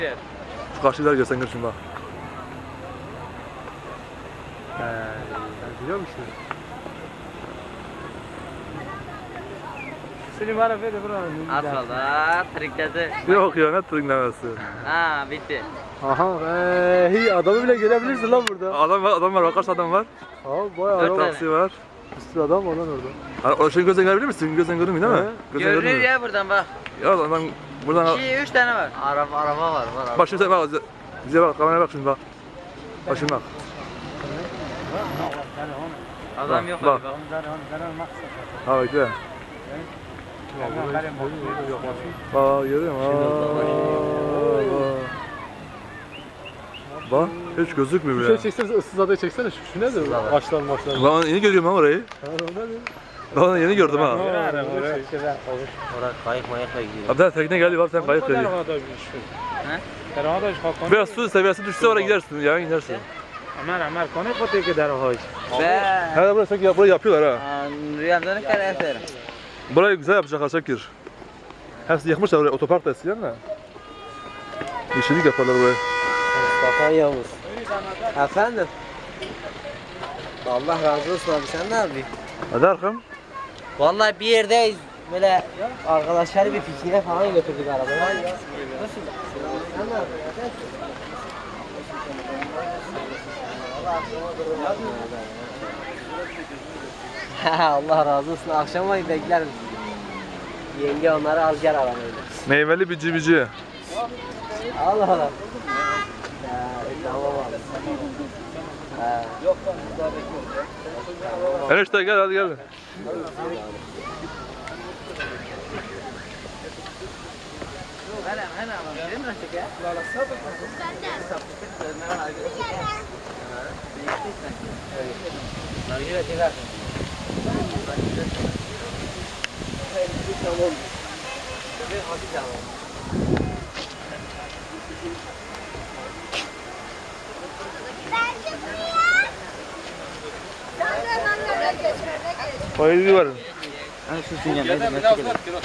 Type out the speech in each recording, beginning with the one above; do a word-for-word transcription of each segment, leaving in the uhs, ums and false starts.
Şu karşılar görsen gör şimdi bak. He, ben biliyor musun? Seni bana ver de buranın. Asfalda trikledi. Yok ya ne tırınlaması. Ha bitti. Aha, eee, adamı bile görebilirsin lan burada. Adam var, adam var, bak kaç adam var. Ha, bayağı Dört adam. tane. Taksi var. Bir sürü adam var lan orada. Ha, o şeyin gözden görebilir misin? Gözden görünmüyor değil mi? He. Gözden Görünür görünmüyor. ya buradan bak. Ya adam buradan... İki, üç tane var. Araba, araba var. var Bak şimdi sen bak, bize bak, kameraya bak şimdi bak. Bak şimdi bak. Adam Bak, yok bak. abi. Bak. Ha bekle. Bak görüyor musun? Aa, bak. Bak hiç gözükmüyor Bir bile. şey çeksene, ıssız adayı çeksene. Şu, şu nedir? Başlar başlar. Ben yeni görüyorum ha orayı. Ha, o nedir? Ben onu yeni gördüm ha. Orada kayık mayıkla gidiyor. Abi daha tekne geldi, bak sen kayık dedi. Biraz su seviyesi düşse oraya gidersin, ya gidersin. Ömer Ömer konu kote ki derhal. Be. Her burası sanki burayı yapıyorlar ha. Rüyamda ne kadar eserim. Burayı güzel yapacaklar Şakir. Hepsi yıkmışlar oraya, otopark da eskiden de. Yeşillik yaparlar buraya. Mustafa Yavuz. Efendim? Allah razı olsun abi, sen ne yapıyorsun? Hadi arkam. Vallahi bir yerdeyiz. Böyle arkadaşlar bir pikniğe falan götürdük arabayı. Nasıl? Sen ne yapıyorsun? Allah razı olsun. Akşama bekler misin? Yenge onları al gel arabayla. Meyveli bici bici. Allah Allah. Ya, tamam abi. Ha. Yok lan burada bekliyorum. Enişte gel hadi gel. Hemen hemen ama benim nasıl ya? Nargile tekrar. Tamam. Koyucu var. Hani şu sinyal ne demek ki?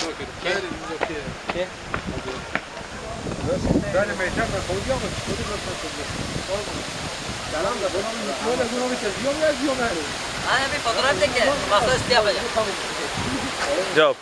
Hani bir fotoğraf çek ya. Masaüstü yapacağım. Yap.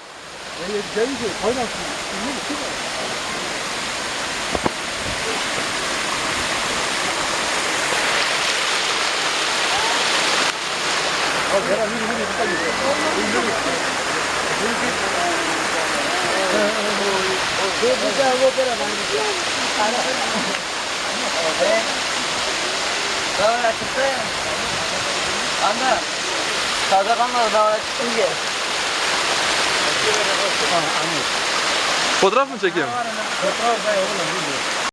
Daha çıktı. Anda. Taze kalmadı daha çıktı ki. Fotoğraf mı çekeyim? Fotoğraf da yok lan.